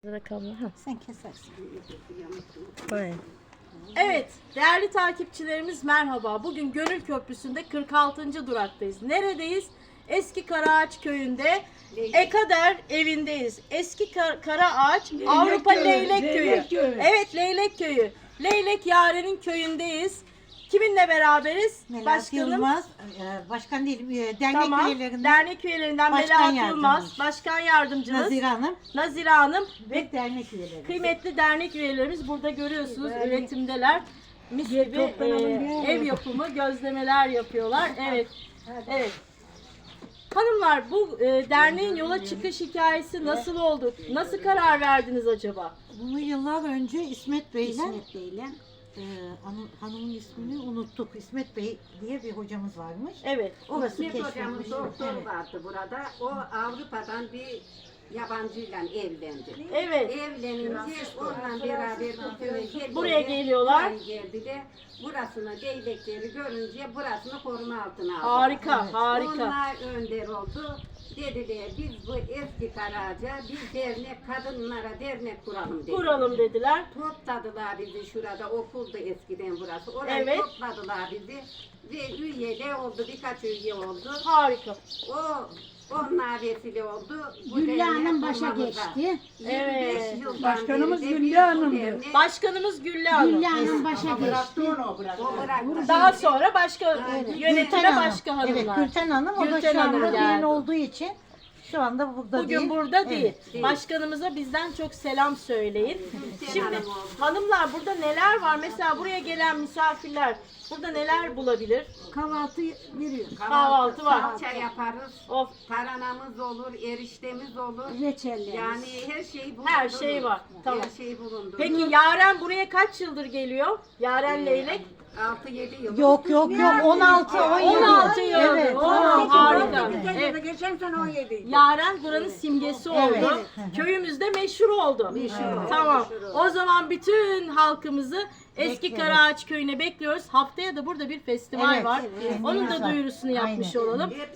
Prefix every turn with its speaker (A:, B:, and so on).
A: Sen kesersin.
B: Evet, değerli takipçilerimiz merhaba. Bugün Gönül Köprüsü'nde 46. duraktayız. Neredeyiz? Eski Karaağaç köyünde Ekader evindeyiz. Eski Karaağaç Avrupa Leylek Köyü. Evet, Leylek Köyü. Leylek Yaren'in köyündeyiz. Kiminle beraberiz?
A: Başkanım. Yılmaz, başkan değil, dernek
B: Tamam.
A: üyelerinden
B: Dernek üyelerinden
A: başkan
B: Melahat Yılmaz,
A: yardımcısı.
B: başkan yardımcımız
A: Nazire Hanım
B: ve
A: ve dernek üyeleri.
B: kıymetli dernek üyelerimiz burada görüyorsunuz, üretimdeler. Mis gibi ev yapımı gözlemeler yapıyorlar. Evet. Evet. Hanımlar, bu derneğin yola çıkış hikayesi nasıl oldu? Nasıl karar verdiniz acaba?
A: Bunu yıllar önce İsmet Bey'le hanımın ismini unuttuk. İsmet Bey diye bir hocamız varmış.
B: Evet.
A: Orası
C: İsmet hocamın
A: keşfetmiş.
C: doktoru
A: Evet.
C: vardı burada. O Avrupa'dan bir yabancıyla evlendi.
B: Evet.
C: Evlenince onunla beraber bu köye geldi.
B: Buraya geliyorlar.
C: Buraya geldi de burasını değnekleri görünce burasını koruma altına aldı.
B: Harika, harika.
C: Onlar önder oldu. Dediler biz bu eski Karaağaç'a bir dernek, kadınlara dernek kuralım dediler.
B: Kuralım dediler.
C: Topladılar bizi şurada, okuldu eskiden burası. Oraya
B: Evet.
C: topladılar bizi ve üye de oldu, birkaç üye oldu.
B: Harika.
C: Onlar vesile oldu. Bu
D: Güllü Hanım
C: dernek
D: başa
C: kurmamıza.
D: geçti.
C: 25
B: Evet.
C: yıldan
D: Başkanımız
C: beri de
D: Güllü
C: biz bu
D: Hanım'dı.
C: dernek-
B: Başkanımız Güllü Hanım.
D: Güllü Hanım başa geçti.
C: O bıraktı.
B: Daha sonra başka
A: Gülten
B: yönetime
A: Hanım.
B: başka hanımlar.
A: Evet, Gülten Hanım. O da
B: Gülten
A: şu
B: Hanım
A: anda
B: geldi.
A: düğün olduğu için şu anda burada değil.
B: Bugün burada değil.
A: Evet.
B: Başkanımıza bizden çok selam söyleyin.
C: Gülten
B: Şimdi
C: Hanım oldu.
B: hanımlar, burada neler var? Mesela buraya gelen misafirler burada neler bulabilir?
D: Kahvaltı veriyor.
B: Kahvaltı var.
C: Salça yaparız.
B: Of,
C: Taranamız olur, eriştemiz olur.
D: Reçellerimiz.
C: Yani her şey bulundu.
B: her şey var. Tamam.
C: Her şey bulundu.
B: Peki Yaren buraya kaç yıldır geliyor? Yaren Leylek?
C: 6-7 yıl.
A: Yok 16 17.
B: 16 yıl.
A: Evet.
B: Oo, harika.
D: Evet.
B: Evet.
D: Geçen sene 17.
B: Yaren buranın simgesi oldu.
A: Evet.
B: Köyümüzde meşhur oldu. Tamam. O zaman bütün halkımızı Eski
A: Bekleriz.
B: Karaağaç köyüne bekliyoruz. Haftaya da burada bir festival
A: Evet,
B: var.
A: evet.
B: Onun da
A: Var.
B: duyurusunu yapmış
A: Aynen.
B: olalım.